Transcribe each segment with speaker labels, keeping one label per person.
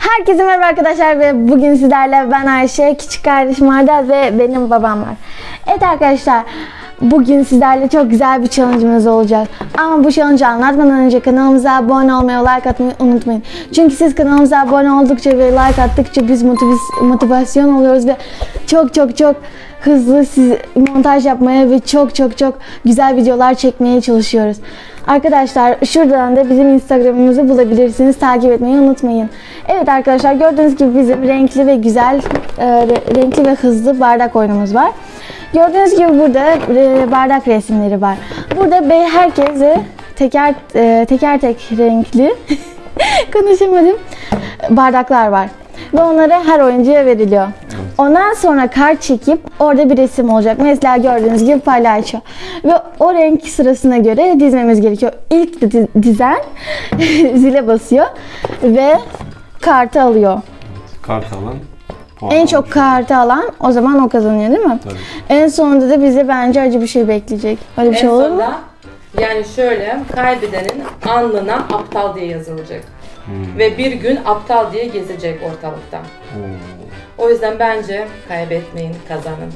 Speaker 1: Herkese merhaba arkadaşlar ve bugün sizlerle ben Ayşe, küçük kardeşim Arda ve benim babam var. Evet arkadaşlar, bugün sizlerle çok güzel bir challenge'ımız olacak. Ama bu challenge'ı anlatmadan önce kanalımıza abone olmayı, like atmayı unutmayın. Çünkü siz kanalımıza abone oldukça ve like attıkça biz motivasyon oluyoruz ve çok hızlı montaj yapmaya ve çok güzel videolar çekmeye çalışıyoruz. Arkadaşlar şuradan da bizim Instagram'ımızı bulabilirsiniz. Takip etmeyi unutmayın. Evet arkadaşlar, gördüğünüz gibi bizim renkli ve güzel, renkli ve hızlı bardak oyunumuz var. Gördüğünüz gibi burada bardak resimleri var. Burada herkese teker renkli konuşamadım bardaklar var. Ve onlara her oyuncuya veriliyor. Ondan sonra kart çekip orada bir resim olacak. Mesela gördüğünüz gibi palyaço. Ve o renk sırasına göre dizmemiz gerekiyor. İlk dizen zile basıyor ve kartı alıyor.
Speaker 2: Kart alan puan
Speaker 1: En çok kartı alan o zaman o kazanıyor, değil mi?
Speaker 2: Tabii.
Speaker 1: En sonunda da bize bence acı bir şey bekleyecek. Öyle bir şey olur mu?
Speaker 3: Yani şöyle, kaybedenin alnına aptal diye yazılacak. Ve bir gün aptal diye gezecek ortalıkta. O yüzden bence kaybetmeyin, kazanın.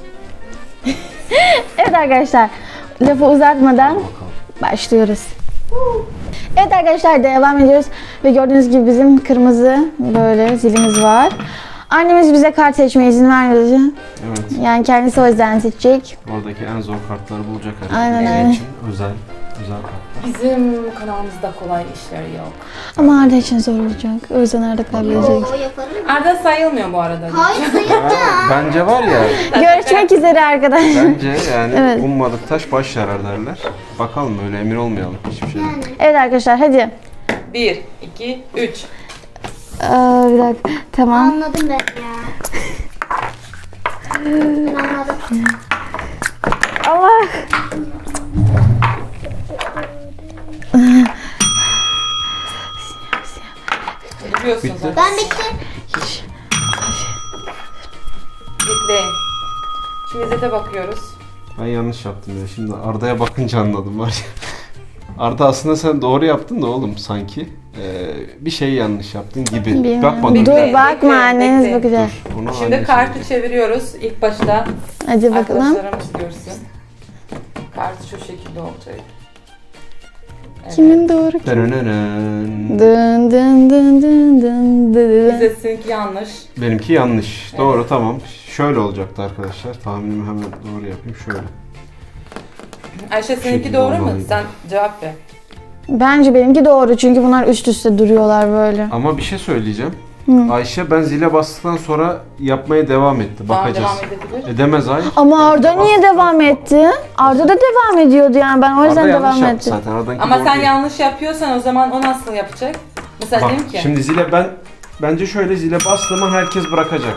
Speaker 1: Evet arkadaşlar, lafı uzatmadan başlıyoruz. Evet arkadaşlar, devam ediyoruz ve gördüğünüz gibi bizim kırmızı böyle zilimiz var. Annemiz bize kart seçmeye izin vermedi.
Speaker 2: Evet.
Speaker 1: Yani kendisi o yüzden seçecek.
Speaker 2: Oradaki en zor kartları bulacak herhalde.
Speaker 1: Aynen.
Speaker 2: için özel kartlar.
Speaker 3: Bizim kanalımızda kolay işler yok.
Speaker 1: Ama Arda için zor olacak. O yüzden Arda kaybedecek.
Speaker 4: O yaparım.
Speaker 3: Arda sayılmıyor bu arada.
Speaker 4: Hayır sayılacak.
Speaker 2: Bence var ya,
Speaker 1: Görüşmek üzere arkadaşlar.
Speaker 2: bence yani
Speaker 1: Evet.
Speaker 2: ummadık taş baş yarar derler. Bakalım, öyle emin olmayalım hiçbir şeyden.
Speaker 1: Evet arkadaşlar, hadi.
Speaker 3: 1, 2, 3.
Speaker 1: Bir dakika. Tamam.
Speaker 4: Anladım ben ya. Ben anladım.
Speaker 1: Allah.
Speaker 3: Biliyorsun
Speaker 2: Bitti.
Speaker 3: zaten.
Speaker 4: Ben bitti.
Speaker 3: Bekleyin. Şimdi zete bakıyoruz.
Speaker 2: Ben yanlış yaptım ya. Şimdi Arda'ya bakınca anladım var ya. Arda, aslında sen doğru yaptın da oğlum sanki. Bir şey yanlış yaptın gibi.
Speaker 1: Bilmiyorum.
Speaker 2: Bakmadın.
Speaker 1: Dur
Speaker 3: Bekle,
Speaker 1: bakma,
Speaker 3: bekle,
Speaker 1: anneniz
Speaker 3: bekle.
Speaker 1: bakacak.
Speaker 2: Onu
Speaker 3: Şimdi
Speaker 2: anne
Speaker 3: kartı
Speaker 2: söyleyecek.
Speaker 3: çeviriyoruz. İlk başta
Speaker 1: Hadi bakalım.
Speaker 3: arkadaşlarımız görsün. Kart şu şekilde olacak. Evet.
Speaker 1: Kimin doğru?
Speaker 2: Dönönön.
Speaker 1: Dın dın dın dın dın dın.
Speaker 3: Bize sizinki yanlış.
Speaker 2: Benimki yanlış. Doğru, tamam. Şöyle olacaktı arkadaşlar. Tahminimi hemen doğru yapayım. Şöyle.
Speaker 3: Ayşe seninki
Speaker 2: şekilde
Speaker 3: doğru mu?
Speaker 2: olmalıydı.
Speaker 3: Sen cevap ver.
Speaker 1: Bence benimki doğru, çünkü bunlar üst üste duruyorlar böyle.
Speaker 2: Ama bir şey söyleyeceğim. Ayşe ben zile bastıktan sonra yapmaya devam etti.
Speaker 3: Tamam,
Speaker 2: Bakacağız.
Speaker 3: devam edebilir.
Speaker 2: Edemez, hayır.
Speaker 1: Ama Arda niye devam etti? Arda da devam ediyordu, yani ben o yüzden
Speaker 2: Arda yanlış
Speaker 1: devam
Speaker 2: yaptı
Speaker 1: ettim.
Speaker 2: zaten. Arda'nınki
Speaker 3: Ama
Speaker 2: doğru
Speaker 3: sen
Speaker 2: değil.
Speaker 3: yanlış yapıyorsan o zaman o nasıl yapacak? Mesela
Speaker 2: Bak,
Speaker 3: diyeyim ki.
Speaker 2: şimdi zile bence şöyle, zile bastığımı herkes bırakacak.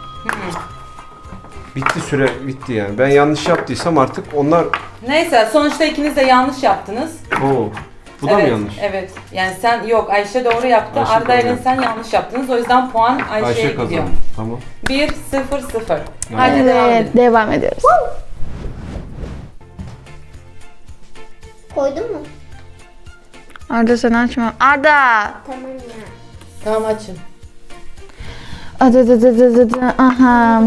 Speaker 2: Bitti, süre bitti yani. Ben yanlış yaptıysam artık onlar...
Speaker 3: Neyse, sonuçta ikiniz de yanlış yaptınız.
Speaker 2: Oo, bu da
Speaker 3: evet,
Speaker 2: mı yanlış?
Speaker 3: Evet. Yani sen yok, Ayşe doğru yaptı.
Speaker 2: Ayşe
Speaker 3: Arda
Speaker 2: doğru
Speaker 3: ile
Speaker 2: yaptı.
Speaker 3: sen yanlış yaptınız. O yüzden puan Ayşe'ye
Speaker 2: Ayşe
Speaker 3: gidiyor.
Speaker 2: kazandı. Tamam.
Speaker 3: 1, 0, 0. Hadi devam
Speaker 1: Evet,
Speaker 3: edelim.
Speaker 1: devam ediyoruz.
Speaker 4: Koydun mu?
Speaker 1: Arda sen açma. Arda!
Speaker 4: Tamam ya.
Speaker 3: Tamam, açın.
Speaker 1: Aha.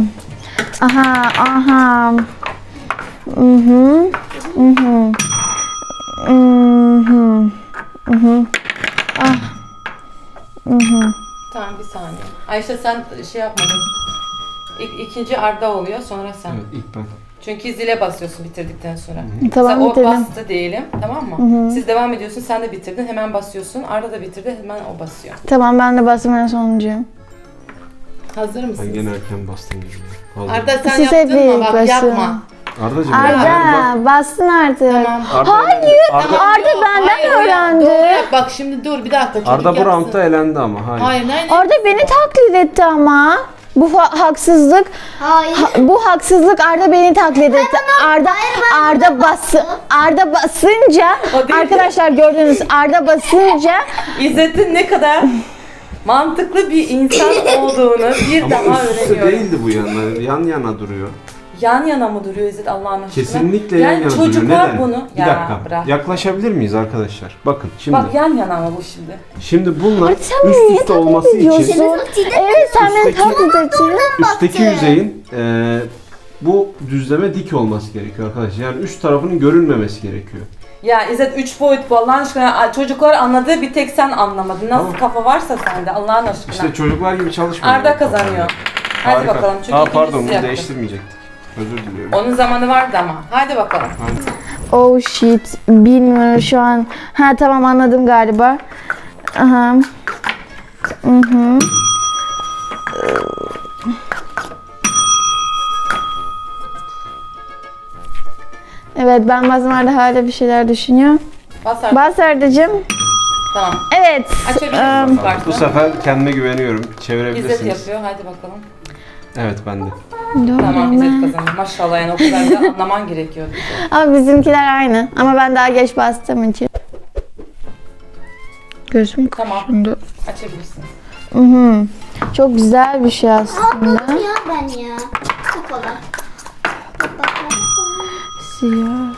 Speaker 1: Aha.
Speaker 3: Tamam, bir saniye. Ayşe sen şey yapmadın. İkinci Arda oluyor, sonra sen.
Speaker 2: Evet, ilk ben.
Speaker 3: Çünkü zile basıyorsun bitirdikten sonra.
Speaker 1: Tamam,
Speaker 3: Mesela o
Speaker 1: bitirdim.
Speaker 3: bastı diyelim, tamam mı? Siz devam ediyorsun, sen de bitirdin, hemen basıyorsun. Arda da bitirdi, hemen o basıyor.
Speaker 1: Tamam, ben de bastım, en sonuncuyum.
Speaker 3: Hazır
Speaker 2: Ben
Speaker 3: mısınız?
Speaker 2: gene erken bastım gibi. Hazır.
Speaker 3: Arda sen
Speaker 1: Siz hep
Speaker 3: yaptın mı? Bak
Speaker 1: basın.
Speaker 3: yapma.
Speaker 2: Arda'cığım
Speaker 1: Arda, bastın artık.
Speaker 3: Tamam.
Speaker 2: Hayır.
Speaker 1: Arda benden
Speaker 3: Hayır,
Speaker 1: öğrendi.
Speaker 3: Doğru yap. Bak şimdi dur bir dakika. Çocuk
Speaker 2: Arda bu
Speaker 3: yapsın.
Speaker 2: roundda elendi ama. Hayır.
Speaker 3: Hayır.
Speaker 1: Arda beni taklit etti ama. Bu haksızlık.
Speaker 4: Hayır.
Speaker 1: Bu haksızlık, Arda beni taklit etti. Arda basınca
Speaker 3: O değil.
Speaker 1: arkadaşlar gördünüz, Arda basınca
Speaker 3: İzzet'in ne kadar mantıklı bir insan olduğunu bir
Speaker 2: Ama
Speaker 3: daha
Speaker 2: üst üste
Speaker 3: öğreniyorum.
Speaker 2: değildi bu yana. Yan yana duruyor.
Speaker 3: yan yana mı duruyor İzzet Allah'ın aşkına?
Speaker 2: Kesinlikle
Speaker 3: yani
Speaker 2: yan yana duruyor.
Speaker 3: çocuklar
Speaker 2: Neden?
Speaker 3: bunu...
Speaker 2: Bir dakika.
Speaker 3: Bırak.
Speaker 2: Yaklaşabilir miyiz arkadaşlar? Bakın şimdi.
Speaker 3: Bak yan yana ama bu şimdi.
Speaker 2: Şimdi bunlar
Speaker 1: Sen
Speaker 2: üst
Speaker 1: niye
Speaker 2: üste olması
Speaker 1: taklit
Speaker 2: için
Speaker 1: ediyorsun? Evet sen beni
Speaker 2: Üstteki-
Speaker 1: taklit ediyorsun.
Speaker 2: üstteki yüzeyin bu düzleme dik olması gerekiyor arkadaşlar. Yani üst tarafının görünmemesi gerekiyor.
Speaker 3: Ya İzzet 3 boyut bu Allah'ın aşkına. Çocuklar anladığı bir tek sen anlamadın. Nasıl
Speaker 2: Tamam.
Speaker 3: kafa varsa sende Allah'ın aşkına.
Speaker 2: İşte çocuklar gibi çalışmıyor.
Speaker 3: Arda kazanıyor. Hadi
Speaker 2: Harika.
Speaker 3: bakalım çünkü
Speaker 2: Pardon
Speaker 3: ikincisi
Speaker 2: bunu
Speaker 3: yaptı.
Speaker 2: değiştirmeyecektik. Özür diliyorum.
Speaker 3: Onun zamanı vardı ama. Hadi bakalım.
Speaker 2: Hadi.
Speaker 1: Oh shit. Bilmiyorum şu an. Ha tamam anladım galiba. Aha. Mhm. Evet ben bazen Arda hala bir şeyler düşünüyor.
Speaker 3: Bas artık.
Speaker 1: Bas Arda'cığım.
Speaker 3: Tamam.
Speaker 1: Evet.
Speaker 3: Açabilir misin
Speaker 2: Bu sefer kendime güveniyorum.
Speaker 3: İzzet
Speaker 2: Çevirebilirsiniz.
Speaker 3: yapıyor. Hadi bakalım.
Speaker 2: Evet ben de.
Speaker 3: Tamam İzzet kazanıyor. Maşallah yani o kadar da anlaman gerekiyordu.
Speaker 1: Ama bizimkiler aynı. Ama ben daha geç bastığım için. Gözüm
Speaker 3: Tamam.
Speaker 1: kaşındı.
Speaker 3: Açabilirsin.
Speaker 1: Hı hı. Çok güzel bir şey aslında.
Speaker 4: Aldım ya ben ya. Çok kolay. Bak, bak, bak, bak.
Speaker 1: Siyah.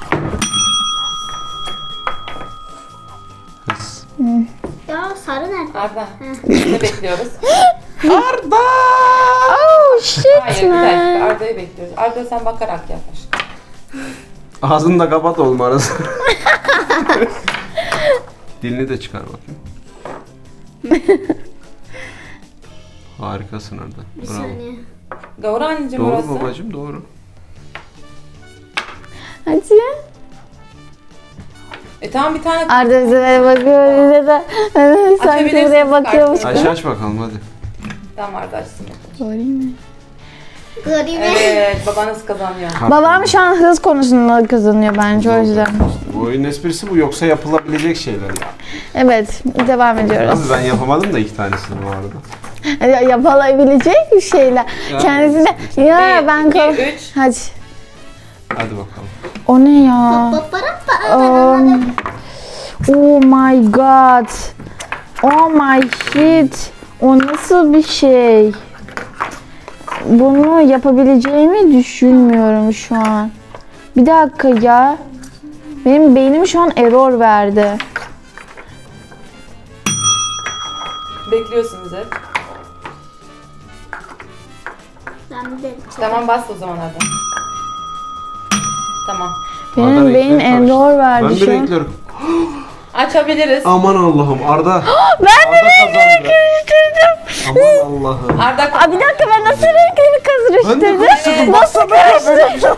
Speaker 2: Hız.
Speaker 4: Ya sarı nerede?
Speaker 3: Arda. Ne bekliyoruz?
Speaker 2: Arda!
Speaker 1: Oh shit
Speaker 3: Hayır bir
Speaker 1: man.
Speaker 3: dakika. Arda'yı bekliyoruz. Arda sen bakarak yaklaş.
Speaker 2: Ağzını da kapat olma arası. Dilini de çıkar bakayım. Harikasın Arda.
Speaker 4: Bir
Speaker 2: Bravo.
Speaker 4: saniye.
Speaker 3: Gavur anneciğim
Speaker 2: Doğru
Speaker 3: orası.
Speaker 2: babacığım doğru.
Speaker 1: Hadi.
Speaker 3: Tamam bir tane
Speaker 1: Arda bize böyle bakıyor. Bize de sanki
Speaker 3: Açabilirsiniz
Speaker 1: buraya bakıyormuş
Speaker 3: kartı.
Speaker 1: gibi.
Speaker 2: Aç bakalım hadi.
Speaker 3: tam Arda açsın bakalım.
Speaker 1: Sorayım mı?
Speaker 4: Garip.
Speaker 3: Evet babanız kazanıyor.
Speaker 1: Babam şu an hız konusunda kazanıyor bence o yüzden.
Speaker 2: Bu oyunun esprisi bu, yoksa yapılabilecek şeyler ya.
Speaker 1: Evet devam ediyoruz.
Speaker 2: Abi ben yapamadım da 2 tanesini bu arada.
Speaker 1: Yapılabilecek bir şeyler.
Speaker 2: Ya.
Speaker 1: Kendisine ya
Speaker 3: Bir,
Speaker 1: ben
Speaker 3: iki,
Speaker 1: kal.
Speaker 3: üç.
Speaker 1: Hadi.
Speaker 2: Hadi bakalım.
Speaker 1: O ne ya? Oh my god. Oh my shit. O nasıl bir şey? Bunu yapabileceğimi düşünmüyorum şu an. Bir dakika ya. Benim beynim şu an error verdi.
Speaker 3: Bekliyorsunuz hep.
Speaker 4: Ben de.
Speaker 3: Tamam bas o zaman Arda. Tamam.
Speaker 1: Benim
Speaker 2: Arda
Speaker 1: beyin
Speaker 2: renkleri karıştı.
Speaker 1: error verdi
Speaker 2: Ben de
Speaker 1: şu an.
Speaker 2: renklerim.
Speaker 3: Açabiliriz.
Speaker 2: Aman Allah'ım Arda.
Speaker 1: Ben de
Speaker 2: Arda
Speaker 1: renkleri
Speaker 2: kazandı.
Speaker 1: karıştırdım.
Speaker 2: Aman Allah'ım.
Speaker 3: Arda
Speaker 1: Aa, bir dakika ben nasıl renkleri
Speaker 2: Ben de
Speaker 1: karıştırdım?
Speaker 2: karıştırdım.
Speaker 1: Nasıl karıştırdım?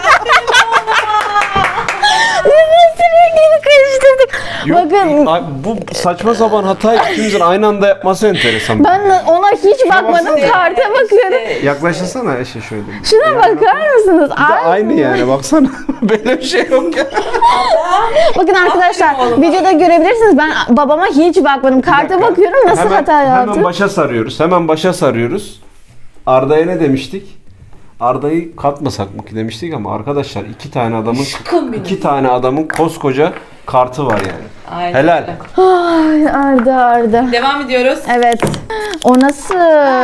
Speaker 1: Nasıl renkleri karıştırdık? Bakın
Speaker 2: Ay, bu saçma sapan hatayı ikimizin aynı anda yapması enteresan.
Speaker 1: ben de ona hiç bakmadım.
Speaker 3: İşte-
Speaker 1: Karta bakıyorum.
Speaker 3: işte-
Speaker 2: Yaklaşırsana Eşe şöyle.
Speaker 1: Şuna bakar mısınız?
Speaker 2: Bir de aynı yani baksana. Böyle bir şey yok ya.
Speaker 1: Bakın arkadaşlar
Speaker 3: Aferin oğluma.
Speaker 1: videoda görebilirsiniz. Ben babama hiç bakmadım. Karta bakıyorum nasıl hata
Speaker 2: Hemen
Speaker 1: yaptım.
Speaker 2: başa sarıyoruz. Hemen başa sarıyoruz. Arda'ya ne demiştik? Arda'yı katmasak mı ki demiştik ama arkadaşlar
Speaker 3: Aşkım benim.
Speaker 2: iki tane adamın koskoca kartı var yani.
Speaker 3: Aynen
Speaker 2: Helal.
Speaker 3: öyle.
Speaker 1: Ay Arda.
Speaker 3: Devam ediyoruz.
Speaker 1: Evet. O nasıl?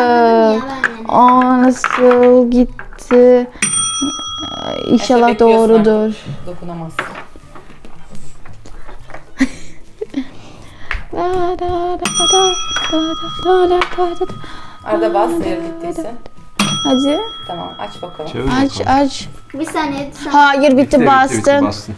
Speaker 1: O nasıl gitti? İnşallah
Speaker 3: Efe bekliyorsun
Speaker 1: doğrudur.
Speaker 3: Dokunamazsın. Arda bas eğer gittiyse.
Speaker 1: Hadi.
Speaker 3: Tamam aç bakalım.
Speaker 2: Çevir
Speaker 1: Aç
Speaker 2: bakalım.
Speaker 1: aç.
Speaker 4: Bir saniye.
Speaker 1: Hayır bitti
Speaker 2: Bitti,
Speaker 1: bastın.
Speaker 2: bastın.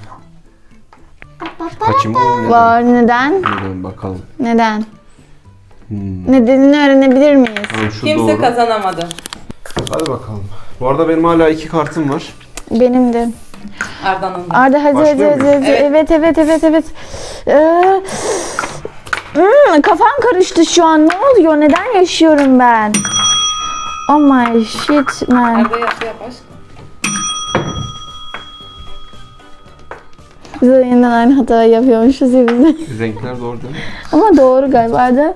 Speaker 2: Kaçım o? Neden?
Speaker 1: Var neden?
Speaker 2: Neden bakalım.
Speaker 1: Neden?
Speaker 2: Hmm.
Speaker 1: Nedenini öğrenebilir miyiz?
Speaker 2: Tamam, şu
Speaker 3: Kimse
Speaker 2: doğru.
Speaker 3: kazanamadı.
Speaker 2: Hadi bakalım. Bu arada benim hala 2 kartım var.
Speaker 1: Benim de.
Speaker 3: Arda'nın da.
Speaker 1: Arda hadi hadi
Speaker 2: Başlıyor
Speaker 1: hadi.
Speaker 2: muyuz?
Speaker 1: hadi. Evet evet evet. Kafam karıştı şu an. Ne oluyor? Neden yaşıyorum ben? Oh my shit man.
Speaker 3: Arda yap aşkım.
Speaker 1: Biz de yeniden aynı hatayı yapıyormuşuz ya biz de.
Speaker 2: Renkler doğru değil mi?
Speaker 1: Ama doğru galiba Arda.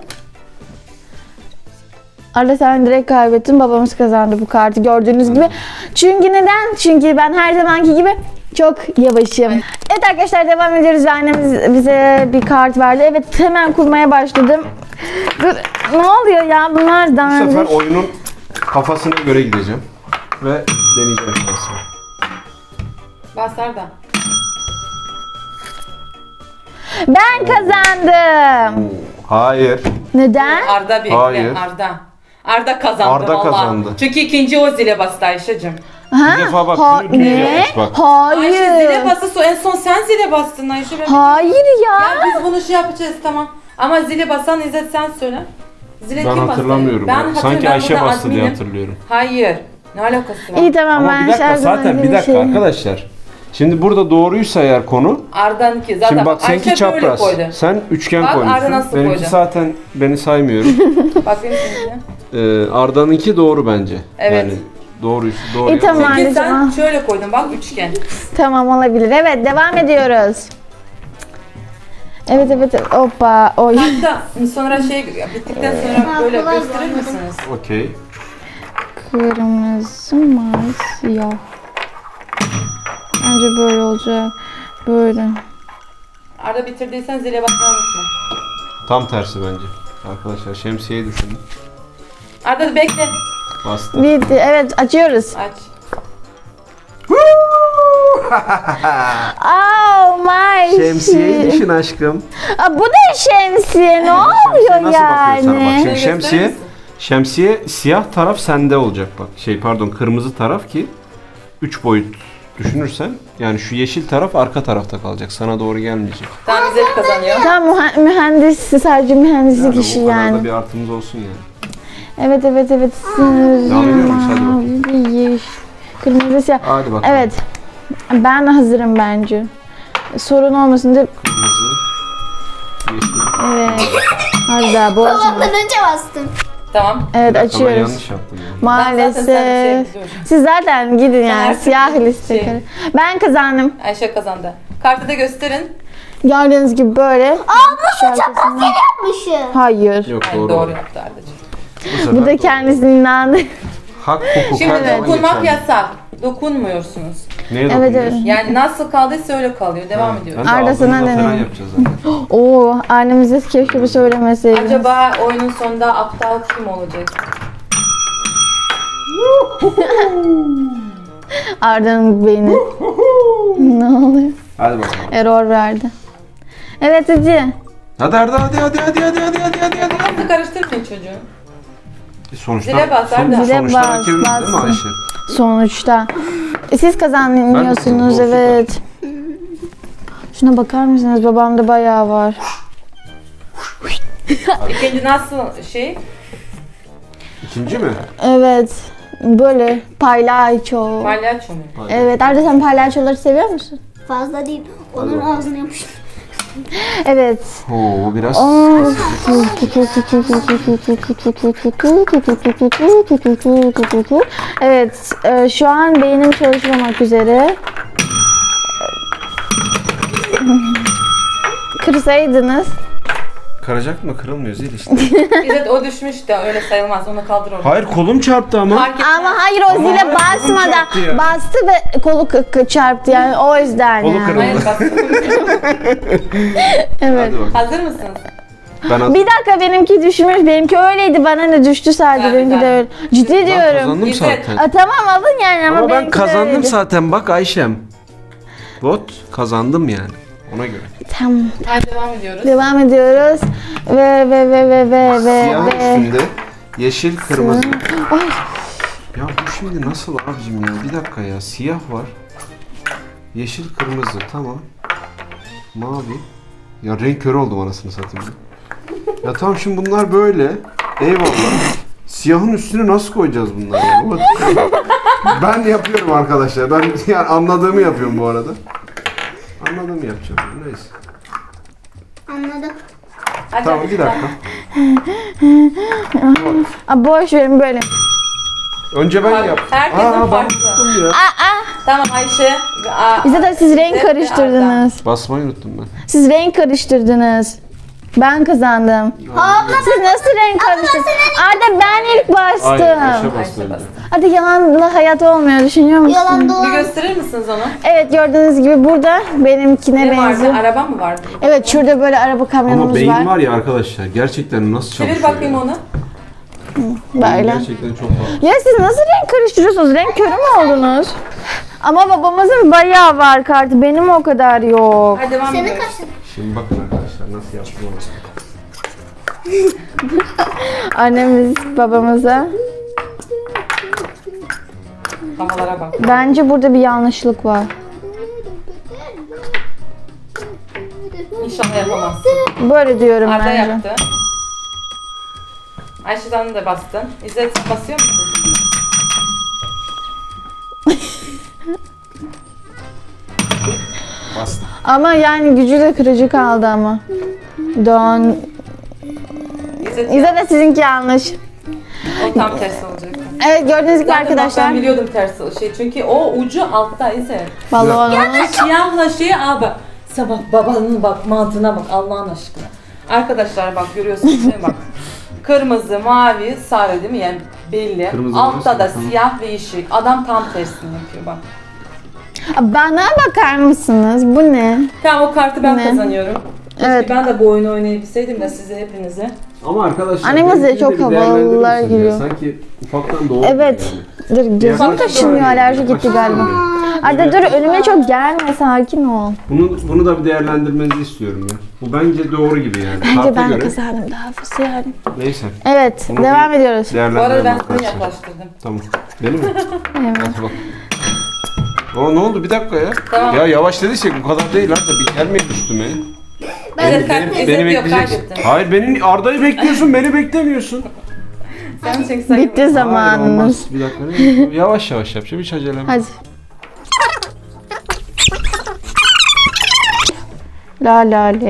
Speaker 1: Arda sen direkt kaybettin. Babamız kazandı bu kartı gördüğünüz gibi. Çünkü neden? Çünkü ben her zamanki gibi çok yavaşım. Evet arkadaşlar devam ediyoruz. Annemiz bize bir kart verdi. Evet hemen kurmaya başladım. Ne oluyor ya bunlar
Speaker 2: Bu sefer
Speaker 1: dandik.
Speaker 2: oyunun kafasına göre gideceğim. Ve deneyeceğim şansımı.
Speaker 3: Bas Arda.
Speaker 1: Ben kazandım.
Speaker 2: Hayır.
Speaker 1: Neden?
Speaker 3: Arda bekle.
Speaker 2: Hayır.
Speaker 3: Arda kazandı
Speaker 2: Arda
Speaker 3: vallahi.
Speaker 2: kazandı.
Speaker 3: Çünkü ikinci o zile bastı Ayşe'cim.
Speaker 1: Ha?
Speaker 2: Bir defa bak, şunu düz
Speaker 1: ne?
Speaker 2: yapmış bak.
Speaker 3: Ayşe zile
Speaker 1: Hayır.
Speaker 3: bastı. En son sen zile bastın Ayşe.
Speaker 1: Hayır ya.
Speaker 3: Ya biz bunu şey yapacağız tamam. Ama zile basan İzzet sen söyle. Zile
Speaker 2: Ben
Speaker 3: kim bastı?
Speaker 2: hatırlamıyorum.
Speaker 3: Ben
Speaker 2: Sanki
Speaker 3: ben
Speaker 2: Ayşe
Speaker 3: burada
Speaker 2: bastı diye
Speaker 3: adminim.
Speaker 2: hatırlıyorum.
Speaker 3: Hayır. Ne alakası var?
Speaker 1: İyi tamam
Speaker 2: Ama
Speaker 1: ben
Speaker 2: bir dakika
Speaker 1: her zaman
Speaker 2: zaten bir
Speaker 1: öyle
Speaker 2: dakika
Speaker 1: şey-
Speaker 2: arkadaşlar. Şimdi burada doğruysa eğer konu.
Speaker 3: Arda'nınki zaten
Speaker 2: Şimdi bak seninki
Speaker 3: Ayşe böyle
Speaker 2: çapraz.
Speaker 3: koydu.
Speaker 2: Sen üçgen
Speaker 3: Bak, Arda
Speaker 2: koymuşsun.
Speaker 3: nasıl
Speaker 2: Benimki
Speaker 3: koydu?
Speaker 2: zaten beni saymıyorum.
Speaker 3: Bakayım şimdi.
Speaker 2: Arda'nınki doğru bence.
Speaker 3: Evet.
Speaker 2: Yani doğru doğru.
Speaker 1: İyi, tamam.
Speaker 2: yapmış.
Speaker 3: Çünkü sen
Speaker 1: Tamam.
Speaker 3: şöyle koydun bak üçgen.
Speaker 1: Tamam olabilir. Evet devam ediyoruz. Evet. Hoppa. Oy.
Speaker 3: Hatta sonra şey bittikten sonra böyle
Speaker 4: kolay
Speaker 3: gösterir
Speaker 4: bu.
Speaker 3: misiniz?
Speaker 2: Okey.
Speaker 1: Kırmızı, mavi, siyah. Bence böyle olacak. Böyle.
Speaker 3: Arda bitirdiysen zile basmayı unutma.
Speaker 2: Tam tersi bence. Arkadaşlar şemsiyeyi düşünün.
Speaker 3: Arda bekle.
Speaker 2: Bastı.
Speaker 1: Bitti. Evet açıyoruz.
Speaker 3: Aç.
Speaker 1: Oh my
Speaker 2: Şemsiyeyi
Speaker 1: shit.
Speaker 2: düşün aşkım.
Speaker 1: Aa, bu da şemsiye. Ne oluyor
Speaker 2: Nasıl bakıyor sana? Bak
Speaker 1: yani?
Speaker 2: şimdi
Speaker 3: Gösterir
Speaker 2: şemsiye,
Speaker 3: misin?
Speaker 2: şemsiye siyah taraf sende olacak bak. Kırmızı taraf ki 3 boyut düşünürsen yani şu yeşil taraf arka tarafta kalacak. Sana doğru gelmeyecek.
Speaker 3: Tamam İzzet kazanıyor.
Speaker 1: Tamam mühendis sadece mühendislik işi
Speaker 2: o kadar da
Speaker 1: yani.
Speaker 2: bir artımız olsun yani.
Speaker 1: Evet.
Speaker 2: Devam ediyor muyuz? Hadi bakalım.
Speaker 1: Mavi, yeşil, kırmızı, siyah.
Speaker 2: Hadi bakalım.
Speaker 1: Evet. Ben hazırım bence. Sorun olmasın diye.
Speaker 2: Kırmızı, yeşil.
Speaker 1: Evet. Hadi daha bozma.
Speaker 4: Babamdan önce bastım.
Speaker 3: Tamam.
Speaker 1: Evet
Speaker 2: Bir dakika, ben
Speaker 1: açıyoruz.
Speaker 2: yanlış yaptım yani.
Speaker 3: Ben zaten sen bir şey
Speaker 1: Maalesef.
Speaker 3: biliyorsun.
Speaker 1: Siz zaten gidin yani
Speaker 3: artık
Speaker 1: siyah
Speaker 3: bir
Speaker 1: liste.
Speaker 3: şey.
Speaker 1: Ben kazandım.
Speaker 3: Ayşe kazandı. Kartı da gösterin.
Speaker 1: Gördüğünüz gibi böyle.
Speaker 4: Nasıl çapraz yapmışım?
Speaker 1: Hayır.
Speaker 2: Yok
Speaker 3: Yani
Speaker 2: doğru.
Speaker 3: doğru yaptı Arda'cığım.
Speaker 2: sefer
Speaker 1: Bu da
Speaker 2: doğru.
Speaker 1: kendisinin inandı.
Speaker 2: Hak hukuk
Speaker 3: Şimdi
Speaker 2: her zaman
Speaker 3: dokunmak
Speaker 2: geçerli.
Speaker 3: yasak. Dokunmuyorsunuz.
Speaker 2: Neye
Speaker 1: Evet,
Speaker 2: dokunuyorsun?
Speaker 1: evet.
Speaker 3: Yani nasıl kaldıysa öyle kalıyor. Devam ediyoruz.
Speaker 1: Arda,
Speaker 2: Arda
Speaker 1: sana
Speaker 2: sana
Speaker 1: ne?
Speaker 2: falan yapacağız zaten.
Speaker 1: Oo, annemize keşke bir söylemeseydiniz.
Speaker 3: Acaba oyunun sonunda aptal kim olacak?
Speaker 1: Arda'nın beyni. Ne oluyor?
Speaker 2: Hadi bakalım.
Speaker 1: Error verdi. Evet hadi.
Speaker 2: Hadi Arda hadi.
Speaker 3: Nasıl karıştırmayın çocuğu.
Speaker 2: Sonuçta,
Speaker 3: Zile bas, Arda.
Speaker 1: Zile
Speaker 2: sonuçta
Speaker 1: bas,
Speaker 2: rakibimiz değil mi
Speaker 1: bas.
Speaker 2: Ayşe?
Speaker 1: Sonuçta. Siz kazanıyorsunuz
Speaker 2: Ben de
Speaker 1: evet. Şuna bakar mısınız? Babamda bayağı var.
Speaker 3: İkinci nasıl şey?
Speaker 2: İkinci mi?
Speaker 1: Evet. Böyle palyaço.
Speaker 3: Palyaço mu?
Speaker 1: Evet. Arda sen palyaçoları seviyor musun?
Speaker 4: Fazla değil. Onun
Speaker 2: bakalım.
Speaker 4: ağzına yapıştım.
Speaker 1: Evet.
Speaker 2: Oo bu biraz
Speaker 1: Evet, şu an beynim çalışmamak üzere. Kırsaydınız.
Speaker 2: Kıracak mı? Kırılmıyor zil işte.
Speaker 3: İzzet o düşmüş de öyle sayılmaz. Onu kaldır orada.
Speaker 2: Hayır kolum çarptı ama.
Speaker 3: Fark etmez.
Speaker 1: Ama hayır o
Speaker 2: Ama
Speaker 1: zile
Speaker 2: hayır, kolum
Speaker 1: basmadan
Speaker 2: çarptı ya.
Speaker 1: bastı ve kolu çarptı yani o yüzden
Speaker 2: Kolu
Speaker 1: yani.
Speaker 2: kırıldı.
Speaker 3: Hayır bastım.
Speaker 1: Evet.
Speaker 2: Hadi bakalım.
Speaker 3: Hazır mısınız?
Speaker 2: Ben hazır.
Speaker 1: Bir dakika benimki düşmüş. Benimki öyleydi. Bana ne düştü sadece.
Speaker 3: Ben
Speaker 1: benimki de
Speaker 3: ben.
Speaker 1: öyle. Ciddi
Speaker 2: Ben
Speaker 1: diyorum.
Speaker 2: kazandım
Speaker 3: İzzet.
Speaker 2: zaten.
Speaker 1: Tamam alın yani ama,
Speaker 2: Ama ben
Speaker 1: benimki de
Speaker 2: kazandım
Speaker 1: öyleydi.
Speaker 2: zaten bak Ayşem. Bot kazandım yani. Ona göre.
Speaker 1: Tamam.
Speaker 3: Hadi devam ediyoruz.
Speaker 1: Devam ediyoruz. Ve
Speaker 2: Siyah üstünde yeşil kırmızı. Ya bu şimdi nasıl abicim ya? Bir dakika ya. Siyah var. Yeşil kırmızı tamam. Mavi. Ya renk körü oldum anasını satayım. Ya tamam şimdi bunlar böyle. Eyvallah. Siyahın üstüne nasıl koyacağız bunları? Ya? Ben yapıyorum arkadaşlar. Ben yani anladığımı yapıyorum bu arada. Anladığımı yapacağım. Neyse.
Speaker 4: Anladım.
Speaker 3: Hadi.
Speaker 2: Tamam bir dakika.
Speaker 1: Boş verin böyle.
Speaker 2: Önce ben
Speaker 3: Bak,
Speaker 2: yap.
Speaker 3: herkesin
Speaker 2: ben
Speaker 3: farklı.
Speaker 2: unuttum ya.
Speaker 3: Tamam Ayşe.
Speaker 1: Bize de siz renk
Speaker 3: İzzet ve
Speaker 1: karıştırdınız.
Speaker 2: Basmayı unuttum ben.
Speaker 1: Siz renk karıştırdınız. Ben kazandım. Siz nasıl renk karıştırdınız? Arda ben ilk
Speaker 2: Ayşe
Speaker 1: bastım.
Speaker 2: bastı önce.
Speaker 1: Hadi yalanla hayat olmuyor düşünüyor musun?
Speaker 4: Yalan
Speaker 3: Bir
Speaker 4: dolan.
Speaker 3: gösterir misiniz onu?
Speaker 1: Evet gördüğünüz gibi burada benimkine
Speaker 3: Ne vardı?
Speaker 1: benziyor.
Speaker 3: Araba mı vardı?
Speaker 1: Evet şurada böyle araba
Speaker 2: Ama
Speaker 1: kamyonumuz
Speaker 2: beyin
Speaker 1: var.
Speaker 2: var ya arkadaşlar gerçekten nasıl çalışıyor?
Speaker 3: Çevir bakayım
Speaker 2: ya?
Speaker 3: onu.
Speaker 1: Böyle.
Speaker 2: Gerçekten çok fazla.
Speaker 1: Ya siz nasıl renk karıştırıyorsunuz? Renk körü mü oldunuz? Ama babamızın bayağı var kartı. Benim o kadar yok.
Speaker 3: Hadi devam
Speaker 4: Senin
Speaker 3: ediyoruz.
Speaker 4: kaç tane?
Speaker 2: Şimdi bakın arkadaşlar nasıl yaptım onu.
Speaker 1: Annemiz babamıza.
Speaker 3: Havalara bak.
Speaker 1: Bence burada bir yanlışlık var.
Speaker 3: İnşallah yapamazsın.
Speaker 1: Böyle diyorum
Speaker 3: Arda
Speaker 1: bence.
Speaker 3: yaptı. Ayşe sen de bastın. İzzet sen basıyor musun?
Speaker 2: Bastım.
Speaker 1: Ama yani gücü de kırıcı kaldı ama. Don.
Speaker 3: İzzet
Speaker 1: İzle de sizinki yanlış.
Speaker 3: o tam tersi olacak.
Speaker 1: Evet gördüğünüz gibi
Speaker 3: Zaten bak,
Speaker 1: arkadaşlar.
Speaker 3: ben biliyordum tersi şey çünkü o ucu altta İzzet.
Speaker 1: Balon.
Speaker 3: Siyahla şeyi al bak. Sabah babanın bak mantığına bak Allah'ın aşkına. Arkadaşlar bak görüyorsunuz değil mi bak. Kırmızı, mavi, sarı değil mi? Yani belli.
Speaker 2: Kırmızı,
Speaker 3: Altta da
Speaker 2: tamam.
Speaker 3: siyah ve yeşil. Adam tam tersini yapıyor bak.
Speaker 1: Bana bakar mısınız? Bu ne?
Speaker 3: Tamam o kartı ben
Speaker 1: Ne?
Speaker 3: kazanıyorum. Keşke
Speaker 1: Evet.
Speaker 3: ben de bu oyunu oynayabilseydim de size hepinize.
Speaker 2: Ama arkadaşlar
Speaker 1: Annemiz de
Speaker 2: benimkini
Speaker 1: çok
Speaker 2: bir değerlendirir
Speaker 1: havalılar
Speaker 2: misin ya?
Speaker 1: giriyor.
Speaker 2: Sanki ufaktan doğdu
Speaker 1: Evet.
Speaker 2: yani.
Speaker 1: Dur gözüm
Speaker 2: Yaklaşık
Speaker 1: kaşınıyor,
Speaker 2: öyle.
Speaker 1: alerji gitti
Speaker 2: Yaklaşık
Speaker 1: galiba.
Speaker 2: öyle.
Speaker 1: Arda dur önüme çok gelme, sakin ol.
Speaker 2: Bunu da bir değerlendirmenizi istiyorum ya. Bu bence doğru gibi yani.
Speaker 1: Bence
Speaker 2: Karta
Speaker 1: ben
Speaker 2: göre.
Speaker 1: kazandım daha fazla yani.
Speaker 2: Neyse.
Speaker 1: Evet,
Speaker 2: Bunu
Speaker 1: devam
Speaker 2: bir
Speaker 1: ediyoruz.
Speaker 3: Bu arada
Speaker 2: Değerlendirelim
Speaker 3: ben seni
Speaker 2: arkadaşlar.
Speaker 3: yaklaştırdım.
Speaker 2: Tamam. Benim mi?
Speaker 1: Evet.
Speaker 2: Hadi bak. Ne oldu bir dakika ya.
Speaker 3: Tamam.
Speaker 2: Ya yavaş dediysek bu kadar değil Arda. Bir gelmeyin üstüme.
Speaker 3: Evet, İzzet yok kaybettin.
Speaker 2: Hayır beni Arda'yı bekliyorsun, beni beklemiyorsun.
Speaker 3: Sen çünkü sayın.
Speaker 1: Bitti
Speaker 2: Hayır
Speaker 1: zamanımız.
Speaker 2: olmaz. Bir dakika. Ne? Yavaş yavaş yapacağım. Hiç acelem.
Speaker 1: Hadi. La la le.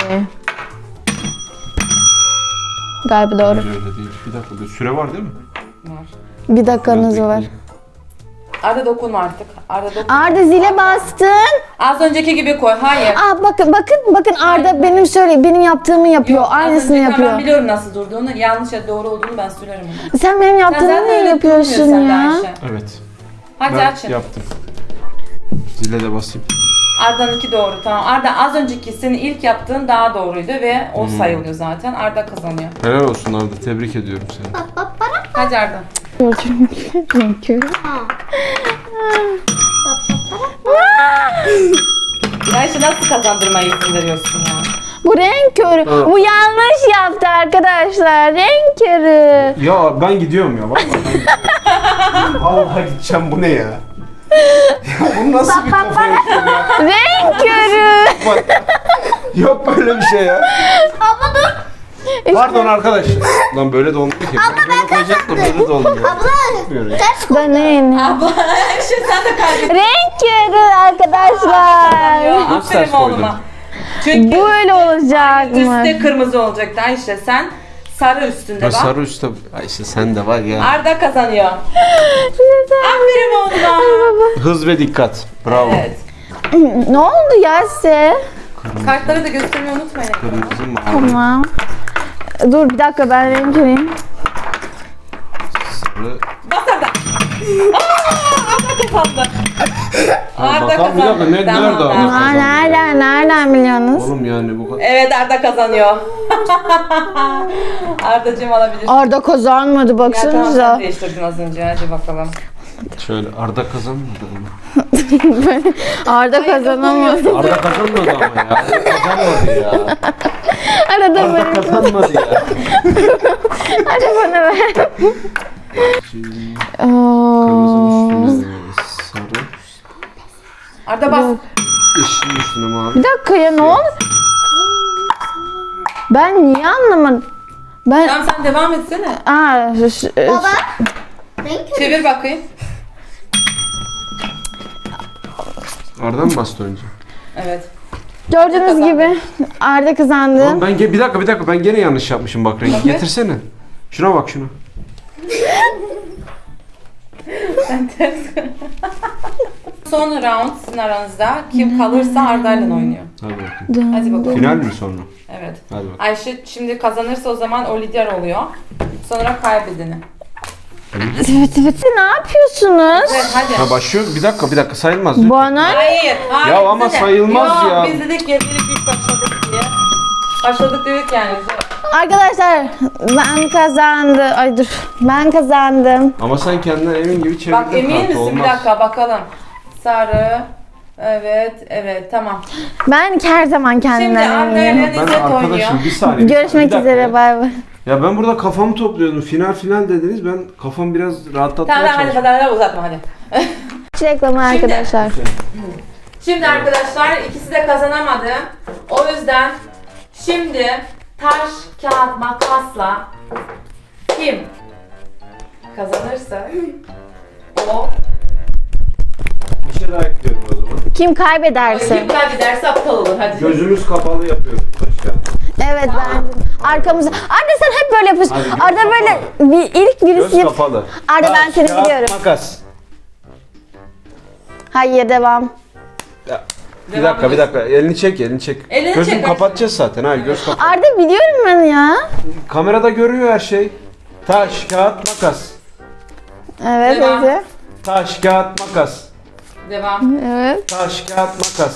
Speaker 1: Galiba doğru.
Speaker 2: Öyle değil. Bir dakika. Bir süre var değil mi?
Speaker 3: Var.
Speaker 1: Bir dakikanız
Speaker 2: Biraz
Speaker 1: var.
Speaker 2: bekleyin.
Speaker 3: Arda dokunma artık. Arda dokunma.
Speaker 1: Arda zile bastın.
Speaker 3: Az önceki gibi koy. Hayır.
Speaker 1: Aa bakın Arda benim yaptığımı yapıyor.
Speaker 3: Yok, az
Speaker 1: Aynısını
Speaker 3: önceki- Ben
Speaker 1: yapıyor.
Speaker 3: biliyorum nasıl durduğunu. Yanlış ya doğru olduğunu ben söylerim ona.
Speaker 1: Sen benim
Speaker 3: Sen
Speaker 1: yaptığımı
Speaker 3: zaten
Speaker 1: niye
Speaker 3: öyle
Speaker 1: yapıyorsun
Speaker 3: durmuyorsun sen de
Speaker 1: ya?
Speaker 3: Ayşe.
Speaker 2: Evet.
Speaker 3: Hadi
Speaker 2: Ben
Speaker 3: açın.
Speaker 2: yaptım. Zile de basayım.
Speaker 3: Arda'nınki doğru tamam. Arda az önceki senin ilk yaptığın daha doğruydu ve o sayılıyor zaten. Arda kazanıyor.
Speaker 2: Helal olsun Arda. Tebrik ediyorum seni.
Speaker 3: Hadi Arda.
Speaker 1: Renk körü.
Speaker 3: Ayşe nasıl kazandırmaya izin veriyorsun ya?
Speaker 1: Bu renk körü.
Speaker 2: Ha.
Speaker 1: Bu yanlış yaptı arkadaşlar. Renk körü.
Speaker 2: Ya ben gidiyorum ya. Vallahi ben gidiyorum. Vallahi gideceğim. Bu ne ya? Ya bu nasıl bir kafa yapıyor ya?
Speaker 1: Renk körü.
Speaker 2: Bak. Yok böyle bir şey ya.
Speaker 4: Abla dur.
Speaker 2: Pardon arkadaş. Lan böyle de olmuyor ki. Böyle koyacaktım böyle de olmuyor. Olmuyor ya.
Speaker 1: Deneyin.
Speaker 3: Abla Ayşe sen de kaybettin.
Speaker 1: Renk körü arkadaşlar.
Speaker 3: Ya,
Speaker 2: Nasıl
Speaker 3: aferin
Speaker 2: ters koydun?
Speaker 3: oğluma. Çünkü
Speaker 1: Böyle olacak mı?
Speaker 3: üstte kırmızı olacaktı Ayşe. Sen sarı üstünde
Speaker 2: Ya
Speaker 3: bak.
Speaker 2: sarı üstte. Ay işte sen de var ya.
Speaker 3: Arda kazanıyor. Aferin oğluma.
Speaker 2: Hız ve dikkat. Bravo.
Speaker 3: Evet.
Speaker 1: Ne oldu ya size?
Speaker 3: Kartları da göstermeyi unutmayın.
Speaker 2: Kırmızı mavi.
Speaker 1: Tamam. Dur bir dakika ben renk körüyüm.
Speaker 2: Sarı.
Speaker 3: Bas Arda. Arda kazandı. Arda
Speaker 2: bakalım, bir dakika,
Speaker 3: kazandı.
Speaker 2: nerede
Speaker 3: Tamam,
Speaker 2: Arda?
Speaker 3: tamam.
Speaker 1: Aa, nereden biliyorsunuz?
Speaker 2: Oğlum yani bu kadar.
Speaker 3: Evet Arda kazanıyor. Ardacığım alabilirsin.
Speaker 1: Arda kazanmadı
Speaker 3: Ya tamam sen
Speaker 1: baksanıza.
Speaker 3: değiştirdin az önce. Hadi bakalım.
Speaker 2: Şöyle Arda kazanmadı ama.
Speaker 1: Arda kazanamadı.
Speaker 2: Arda kazanmadı ama ya. Arda kazanmadı ya.
Speaker 1: Arada
Speaker 2: Arda
Speaker 1: böyle.
Speaker 2: kazanmadı ya.
Speaker 1: Hadi bana ver.
Speaker 2: Kırmızının üstüne sarı.
Speaker 3: Arda bas.
Speaker 2: Yeşilin üstüne mavi.
Speaker 1: Bir dakika ya ne oldu? Ben niye anlamadım? Ben...
Speaker 3: Tamam sen devam etsene.
Speaker 4: Baba. Renk körü.
Speaker 3: Çevir bakayım.
Speaker 2: Arda mı bastı önce?
Speaker 3: Evet.
Speaker 1: Gördüğünüz gibi Arda kazandı.
Speaker 2: Oğlum ben bir dakika ben gene yanlış yapmışım bak rengi. Getirsene. Şuna bak şuna.
Speaker 3: Sen ters. Son round sizin aranızda. Kim kalırsa Arda'yla oynuyor.
Speaker 2: Hadi bakayım.
Speaker 3: Hadi bakalım.
Speaker 2: Final mi sonra?
Speaker 3: Evet.
Speaker 2: Hadi bakalım.
Speaker 3: Ayşe şimdi kazanırsa o zaman o lider oluyor. Sonra kaybedeni.
Speaker 1: Evet. Ne yapıyorsunuz?
Speaker 3: Evet hadi.
Speaker 2: Ha başlıyor. Bir dakika sayılmaz. lütfen.
Speaker 1: Bana
Speaker 3: Hayır.
Speaker 2: Ya ama
Speaker 3: bize de.
Speaker 2: sayılmaz
Speaker 3: Yok,
Speaker 2: ya.
Speaker 3: Biz dedik ya dedik ilk başladık diye. Başladık dedik yani.
Speaker 1: Arkadaşlar ben kazandım. Ay dur. Ben kazandım.
Speaker 2: Ama sen kendinden emin gibi çevirdin.
Speaker 3: Bak emin
Speaker 2: kartı,
Speaker 3: misin? Bir
Speaker 2: olmaz.
Speaker 3: dakika bakalım. Sarı. Evet tamam.
Speaker 1: Ben her zaman
Speaker 3: Şimdi
Speaker 1: kendimden
Speaker 3: Arda
Speaker 1: eminim.
Speaker 3: ile
Speaker 2: Ben
Speaker 3: İzzet oynuyor.
Speaker 2: arkadaşım bir saniye.
Speaker 1: Görüşmek
Speaker 2: bir dakika
Speaker 1: üzere.
Speaker 2: ya.
Speaker 1: Bay bay.
Speaker 2: Ya ben burada kafamı topluyordum. Final dediniz. Ben kafamı biraz rahatlatmaya
Speaker 3: Tamam hadi
Speaker 2: çalıştım.
Speaker 3: hadi uzatma hadi.
Speaker 1: Reklamı arkadaşlar.
Speaker 3: Şimdi arkadaşlar ikisi de kazanamadı. O yüzden şimdi taş, kağıt, makasla kim kazanırsa o
Speaker 2: Bir şey daha ekliyorum o zaman.
Speaker 1: Kim kaybederse.
Speaker 3: kim kaybederse aptal olur hadi.
Speaker 2: Gözümüz kapalı yapıyoruz başka.
Speaker 1: Evet bence. Arkamıza. Arda sen hep böyle yapıyorsun.
Speaker 2: Hadi, göz
Speaker 1: Arda böyle ilk
Speaker 2: Göz
Speaker 1: birisi yap.
Speaker 2: kapalı.
Speaker 1: Arda ben seni
Speaker 2: Kağıt,
Speaker 1: biliyorum.
Speaker 2: Makas.
Speaker 1: Hayır devam.
Speaker 2: Ya, bir
Speaker 3: Devam
Speaker 2: dakika bir dakika. Elini çek.
Speaker 3: Elini
Speaker 2: Gözünü
Speaker 3: çek,
Speaker 2: kapatacağız zaten. Hayır göz kapat.
Speaker 1: Arda biliyorum ben ya.
Speaker 2: Kamerada görüyor her şey. Taş, kağıt, makas.
Speaker 1: Evet
Speaker 3: Devam.
Speaker 1: Ece.
Speaker 2: Taş, kağıt, makas.
Speaker 3: Devam.
Speaker 1: Evet.
Speaker 2: Taş, kağıt, makas.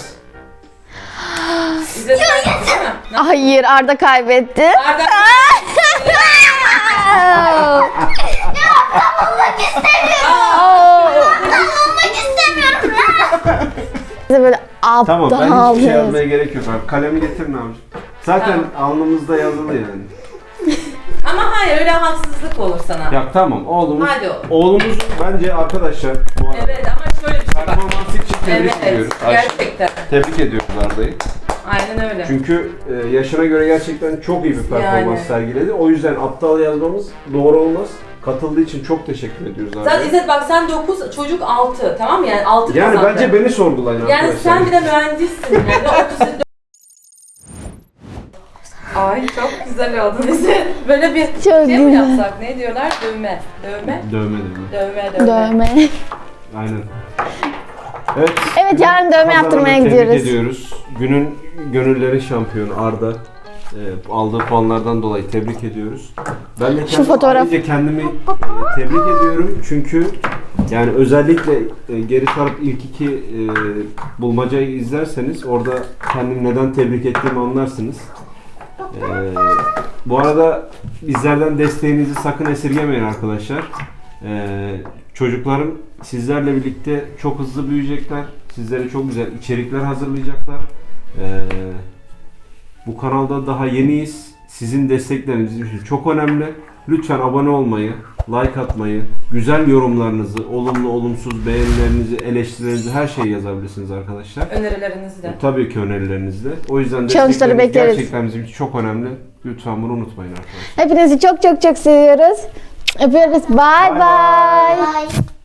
Speaker 3: İzzet sen değil mi?
Speaker 1: Hayır Arda kaybetti.
Speaker 3: Arda
Speaker 4: Olmak istemiyorum.
Speaker 1: Bize böyle
Speaker 2: Tamam ben
Speaker 1: aptal
Speaker 2: hiçbir şey
Speaker 1: diyoruz.
Speaker 2: yazmaya gerek yok abi. Kalemi getirin abi. Zaten alnımızda yazılı yani.
Speaker 3: ama hayır öyle haksızlık olur sana.
Speaker 2: Ya tamam oğlumuz.
Speaker 3: Hadi oğlum.
Speaker 2: Oğlumuz bence arkadaşlar bu arada.
Speaker 3: Evet ama şöyle bir şey bak.
Speaker 2: Performansı için tebrik
Speaker 3: Evet
Speaker 2: ediyoruz.
Speaker 3: gerçekten.
Speaker 2: Tebrik ediyoruz Arda'yı.
Speaker 3: Aynen öyle.
Speaker 2: Çünkü yaşına göre gerçekten çok iyi bir performans
Speaker 3: Yani.
Speaker 2: sergiledi. O yüzden aptal yazmamız doğru olmaz. Katıldığı için çok teşekkür ediyoruz
Speaker 3: Sen
Speaker 2: Arda'ya.
Speaker 3: İzzet bak sen 9 çocuk 6 tamam mı? Yani 6
Speaker 2: Yani
Speaker 3: kazandın.
Speaker 2: bence beni sorgulayın
Speaker 3: Yani
Speaker 2: arkadaşlar.
Speaker 3: sen bir de mühendissin yani 30. Ay çok güzel oldu bize. Böyle bir
Speaker 1: Çok
Speaker 3: şey mi
Speaker 1: güzel.
Speaker 3: yapsak? Ne diyorlar? Dövme. Dövme.
Speaker 2: Dövme.
Speaker 1: Dövme.
Speaker 2: Aynen. Evet.
Speaker 1: Evet, yarın dövme
Speaker 2: kazananı
Speaker 1: yaptırmaya
Speaker 2: tebrik
Speaker 1: gidiyoruz.
Speaker 2: ediyoruz. Günün gönüllerin şampiyonu Arda. Aldığı puanlardan dolayı tebrik ediyoruz. Ben de ayrıca kendimi tebrik ediyorum çünkü yani özellikle geri sarıp ilk iki bulmacayı izlerseniz orada kendimi neden tebrik ettiğimi anlarsınız. Bu arada bizlerden desteğinizi sakın esirgemeyin arkadaşlar. Çocuklarım sizlerle birlikte çok hızlı büyüyecekler. Sizlere çok güzel içerikler hazırlayacaklar. Bu kanalda daha yeniyiz. Sizin destekleriniz bizim için çok önemli. Lütfen abone olmayı, like atmayı, güzel yorumlarınızı, olumlu, olumsuz beğenilerinizi, eleştirilerinizi her şeyi yazabilirsiniz arkadaşlar.
Speaker 3: Önerilerinizi de.
Speaker 2: Tabii ki önerilerinizi de. O yüzden
Speaker 1: Challenge'ları
Speaker 2: destekleriniz
Speaker 1: bekleriz.
Speaker 2: gerçekten bizim için çok önemli. Lütfen bunu unutmayın arkadaşlar.
Speaker 1: Hepinizi çok çok çok seviyoruz. Öpüyoruz. Bye
Speaker 2: Bye bye.
Speaker 1: bye.
Speaker 4: Bye.